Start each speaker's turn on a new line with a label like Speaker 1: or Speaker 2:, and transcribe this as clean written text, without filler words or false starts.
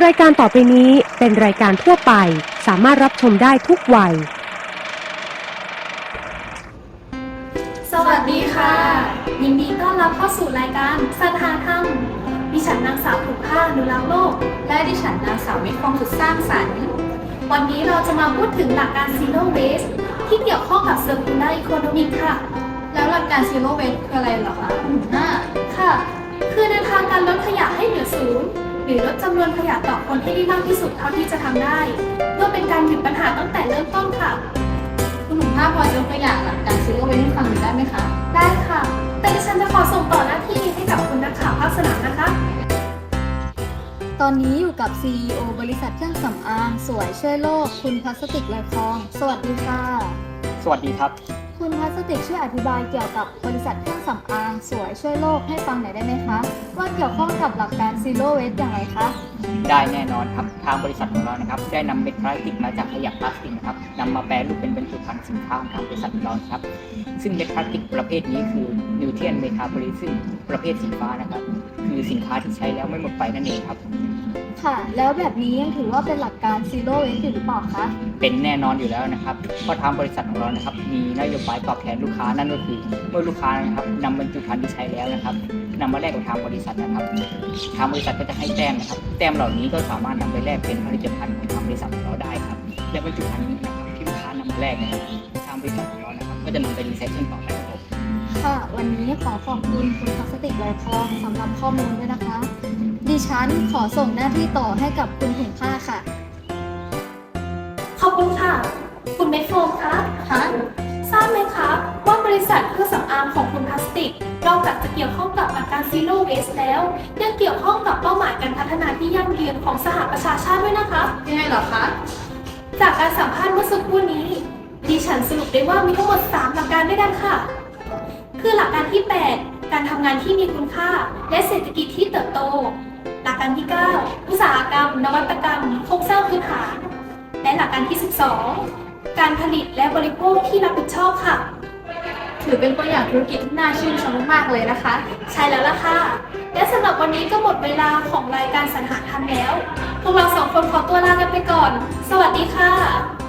Speaker 1: รายการต่อไปนี้เป็นรายการทั่วไปสามารถรับชมได้ทุกวัย
Speaker 2: สวัสดีค่ะยินดีต้อนรับเข้าสู่รายการสรรหาธรรมดิฉันนางสาวถูกผ้าอนุรักษ์โลกและดิฉันนางสาววิทย์ฟองสุดสร้างสรรค์วันนี้เราจะมาพูดถึงหลักการ Zero Waste ที่เกี่ยวข้องกับ Circular Economy ค่ะแล้วหลักการ Zero Waste คืออะไรเหรอคะค่ะคือแนวทางการลดขยะให้เหลือศูนย์หรือลดจำนวนขยะต่อคนให้ได้มากที่สุดเท่าที่จะทำได้เพื่อเป็นการหยุดปัญหาตั้งแต่เริ่มต้นค่ะ
Speaker 3: คุณหนุ่มภาพพอยกตัวอย่างหลักการZero Wasteให้ฟังหน่อยได้ไหมคะ
Speaker 2: ได้ค่ะแต่ดิฉันจะขอส่งต่อหน้าที่ให้กับคุณนักข่าวภาคสนามนะคะ
Speaker 3: ตอนนี้อยู่กับ CEO บริษัทเครื่องสำอางสวยช่วยโลกคุณพลาสติกลอยคลองสวัสดีค่ะ
Speaker 4: สวัสดีครับ
Speaker 3: คุณพลาสติกช่วยอธิบายเกี่ยวกับบริษัทเครื่องสำอางสวยช่วยโลกให้ฟังหน่อยได้ไหมคะว่าเกี่ยวข้องกับหลักการ Zero Waste อย่างไรคะ
Speaker 4: ได้แน่นอนครับทางบริษัทของเรานะครับได้นำเม็ดพลาสติกมาจากขยะพลาสติกนะครับนำมาแปรรูปเป็นบรรจุภัณฑ์สินค้าของทางบริษัทของเราครับซึ่งเม็ดพลาสติกประเภทนี้คือนิวเทียนเมทาโพลิซึมประเภทสีฟ้านะครับคือสินค้าที่ใช้แล้วไม่หมดไปนั่นเองครับ
Speaker 3: ค่ะแล้วแบบนี้ยังถือว่าเป็นหลักการ Zero Waste อยู่หรือเปล่าคะ
Speaker 4: เป็นแน่นอนอยู่แล้วนะครับเพราะทางบริษัทของเรานะครับมีนโยบายตอบแทนลูกค้านั่นก็คือเมื่อลูกค้านะครับนำบรรจุภัณฑ์ที่ใช้แล้วนะครับนำมาแลกกับทางบริษัทนะครับทางบริษัทก็จะให้แต้มนะครับแต้มเหล่านี้ก็สามารถนำไปแลกเป็นผลิตภัณฑ์ของทางบริษัทของเราได้ครับและบรรจุภัณฑ์นี้นะครับที่ลูกค้านำมาแลกนะครับทางบริษัทของเรานะครับก็จะนำไปรีไซเคิลต่อไปครับ
Speaker 3: ค่ะวันนี้ขอขอบคุณคุณพลาสติกลอยคลองสำหรับข้อมูลด้วยนะคะดิฉันขอส่งหน้าที่ต่อให้กับคุณถุงผ้าค่ะ
Speaker 2: ขอบคุณค่ะคุณเมทโฟมคะทราบไหมคะว่าบริษัทเครื่องสำอางของคุณพลาสติกนอกจากจะเกี่ยวข้องกับหลักการ Zero Waste แล้วยังเกี่ยวข้องกับเป้าหมายการพัฒนาที่ยั่งยืนของสหประชาชาติด้วยนะคะ
Speaker 3: ยังไงเหรอคะ
Speaker 2: จากการสัมภาษณ์เมื่อสักครู่นี้ดิฉันสรุปได้ว่ามีทั้งหมด3หลักการด้วยกันค่ะคือหลักการที่8การทำงานที่มีคุณค่าและเศรษฐกิจที่เติบโตหลักการที่9อุตสาหกรรมนวัตกรรมโครงสร้างพื้นฐานและหลักการที่12การผลิตและบริโภคที่รับผิดชอบค่ะ
Speaker 3: ถือเป็นตัวอย่างธุรกิจที่น่าชื่นชมมากเลยนะคะ
Speaker 2: ใช่แล้วล่ะค่ะและสำหรับวันนี้ก็หมดเวลาของรายการสรรหาธรรมแล้วพวกเรา2 คนขอตัวลากันไปก่อนสวัสดีค่ะ